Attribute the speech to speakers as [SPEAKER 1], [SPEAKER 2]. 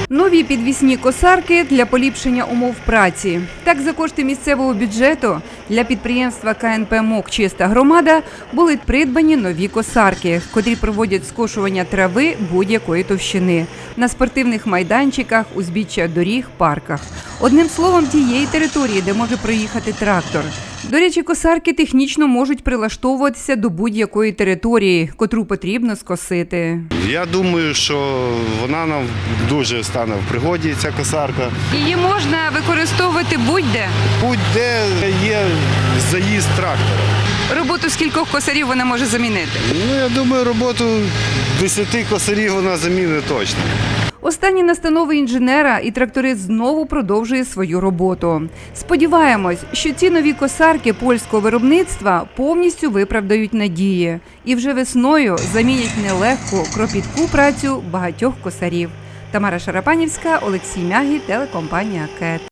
[SPEAKER 1] Нові підвісні косарки для поліпшення умов праці. Так, за кошти місцевого бюджету для підприємства КНП МОК «Чиста громада» були придбані нові косарки, котрі проводять скошування трави будь-якої товщини на спортивних майданчиках, узбіччя доріг, парках. Одним словом, тієї території, де може проїхати трактор. До речі, косарки технічно можуть прилаштовуватися до будь-якої території, котру потрібно скосити.
[SPEAKER 2] Я думаю, що вона нам дуже стане в пригоді, ця косарка.
[SPEAKER 1] Її можна використовувати будь-де.
[SPEAKER 2] Будь-де є заїзд трактора.
[SPEAKER 1] Роботу скількох косарів вона може замінити?
[SPEAKER 2] Я думаю, роботу 10 косарів вона замінить точно.
[SPEAKER 1] Останні настанови інженера і тракторист знову продовжує свою роботу. Сподіваємось, що ці нові косарки польського виробництва повністю виправдають надії і вже весною замінять нелегку, кропітку працю багатьох косарів. Тамара Шарапанівська, Олексій Мягі, телекомпанія КЕТ.